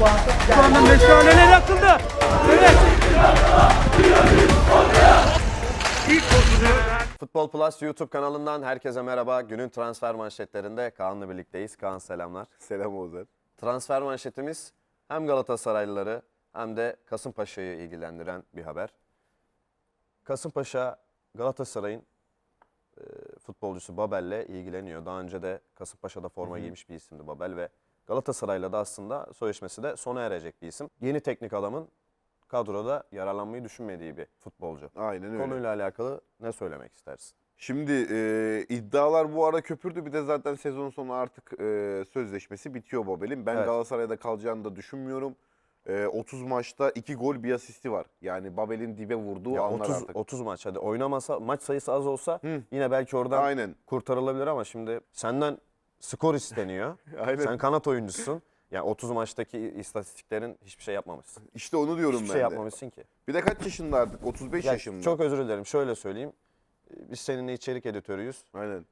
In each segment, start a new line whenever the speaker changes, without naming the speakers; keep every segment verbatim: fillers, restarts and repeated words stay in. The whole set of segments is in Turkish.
Şu anda meşaleler yakıldı. Evet.
Futbol Plus YouTube kanalından herkese merhaba. Günün transfer manşetlerinde Kaan'la birlikteyiz. Kaan selamlar.
Selam Oğuzhan.
Transfer manşetimiz hem Galatasaraylıları hem de Kasımpaşa'yı ilgilendiren bir haber. Kasımpaşa Galatasaray'ın e, futbolcusu Babel'le ilgileniyor. Daha önce de Kasımpaşa'da forma giymiş bir isimdi Babel ve Galatasaray'la da aslında sözleşmesi de sona erecek bir isim. Yeni teknik adamın kadroda yararlanmayı düşünmediği bir futbolcu.
Aynen öyle.
Konuyla alakalı ne söylemek istersin?
Şimdi e, iddialar bu ara köpürdü. Bir de zaten sezon sonu artık e, sözleşmesi bitiyor Babel'in. Ben
Evet.
Galatasaray'da kalacağını da düşünmüyorum. E, otuz maçta iki gol bir asisti var. Yani Babel'in dibe vurduğu
Ya
anlar
otuz,
artık.
otuz maç hadi oynamasa maç sayısı az olsa
Hı.
yine belki oradan
Aynen.
kurtarılabilir ama şimdi senden skor isteniyor.
Aynen.
Sen kanat oyuncusun. Yani otuz maçtaki istatistiklerin hiçbir şey yapmamışsın.
İşte onu diyorum
Hiçbir
ben
şey
de.
yapmamışsın ki.
Bir de kaç yaşında artık? otuz beş
Ya
yaşında.
çok özür dilerim. Şöyle söyleyeyim. Biz seninle içerik editörüyüz.
Aynen.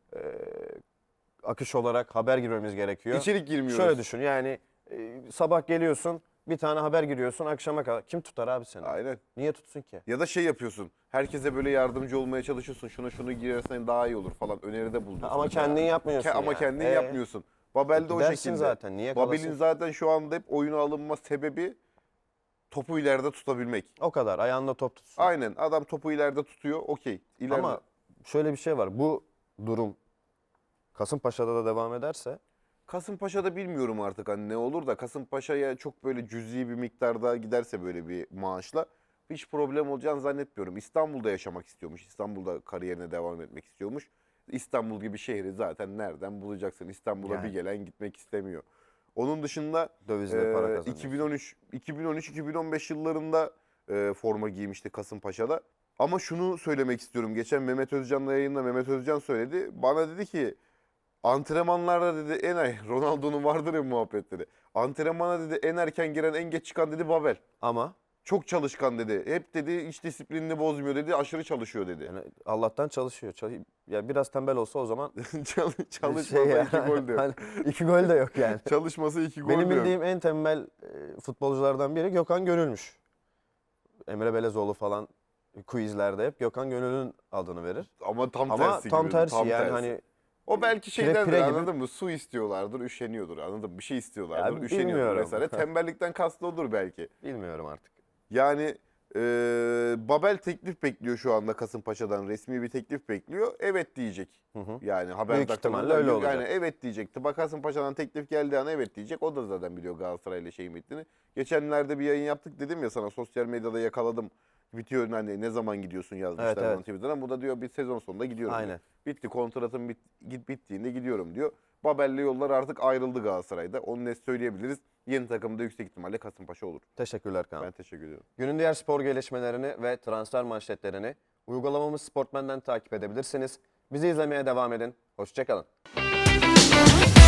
Akış olarak haber girmemiz gerekiyor.
İçerik girmiyoruz.
Şöyle düşün yani e, sabah geliyorsun bir tane haber giriyorsun akşama kadar. Kim tutar abi seni?
Aynen.
Niye tutsun ki?
Ya da şey yapıyorsun. Herkese böyle yardımcı olmaya çalışıyorsun. Şuna şunu girersen daha iyi olur falan. Öneride bulunuyorsun.
Ama kendin yapmıyorsun
Ke- Ama
yani.
kendin
Ee?
yapmıyorsun. Babel de o
Gidersin
şekilde.
zaten, niye
Babel'in
kalasın?
zaten şu anda hep oyuna alınma sebebi topu ileride tutabilmek.
O kadar ayağında top tutsun.
Aynen, adam topu ileride tutuyor, okey. İleride.
Ama şöyle bir şey var. Bu durum Kasımpaşa'da da devam ederse
Kasımpaşa'da bilmiyorum artık hani ne olur da Kasımpaşa'ya çok böyle cüzi bir miktarda giderse böyle bir maaşla hiç problem olacağını zannetmiyorum. İstanbul'da yaşamak istiyormuş. İstanbul'da kariyerine devam etmek istiyormuş. İstanbul gibi şehri zaten nereden bulacaksın? İstanbul'a
Yani.
bir gelen gitmek istemiyor. Onun dışında
dövizle para
e,
kazanıyorsun.
iki bin on üç iki bin on üç iki bin on beş yıllarında e, forma giymişti Kasımpaşa'da. Ama şunu söylemek istiyorum. Geçen Mehmet Özcan'la yayında Mehmet Özcan söyledi. Bana dedi ki antrenmanlarda dedi en ay Ronaldo'nun vardır ya muhabbetleri. Antrenmana dedi en erken giren en geç çıkan dedi Babel.
Ama
Çok çalışkan dedi. Hep dedi iç disiplinini bozmuyor dedi. Aşırı çalışıyor dedi.
yani Allah'tan çalışıyor. Çalış- ya biraz tembel olsa o zaman
Çal- Çalışmasa
şey ya,
iki gol de yok.
hani iki gol de yok yani.
Çalışması iki gol
Benim
de yok.
bildiğim en tembel e, futbolculardan biri Gökhan Gönül'müş. Emre Belezoğlu falan quizlerde hep Gökhan Gönül'ün adını verir.
Ama tam
Ama
tersi
tam
gibi,
tersi
tam
yani
tersi.
hani
O belki
pire
şeydendir
pire gibi.
anladın mı? Su istiyorlardır, üşeniyordur anladın mı? Bir şey istiyorlardır,
Ya
üşeniyordur
bilmiyorum.
vesaire. Tembellikten kastı odur belki.
bilmiyorum artık.
Yani e, Babel teklif bekliyor şu anda Kasımpaşa'dan. Resmi bir teklif bekliyor. Evet diyecek.
Hı hı.
Yani haber
Büyük
dakikalarında
ihtimalle öyle
yani
olacak.
evet diyecek. Tıba Kasımpaşa'dan teklif geldiği an evet diyecek. O da zaten biliyor Galatasaray'la şeyin bittiğini. Geçenlerde bir yayın yaptık dedim ya sana sosyal medyada yakaladım. Bitiyor hani ne zaman gidiyorsun yazmışlar
Evet, evet.
bana Twitter'dan. Bu da diyor bir sezon sonunda gidiyorum diyor.
Aynen.
Bitti kontratım bit, git bittiğinde gidiyorum diyor. Babel'le yollar artık ayrıldı Galatasaray'da. Onu net söyleyebiliriz. Yeni takımda yüksek ihtimalle Kasımpaşa olur.
Teşekkürler Kaan.
Ben teşekkür ediyorum.
Günün diğer spor gelişmelerini ve transfer manşetlerini uygulamamız Sportmen'den takip edebilirsiniz. Bizi izlemeye devam edin. Hoşçakalın.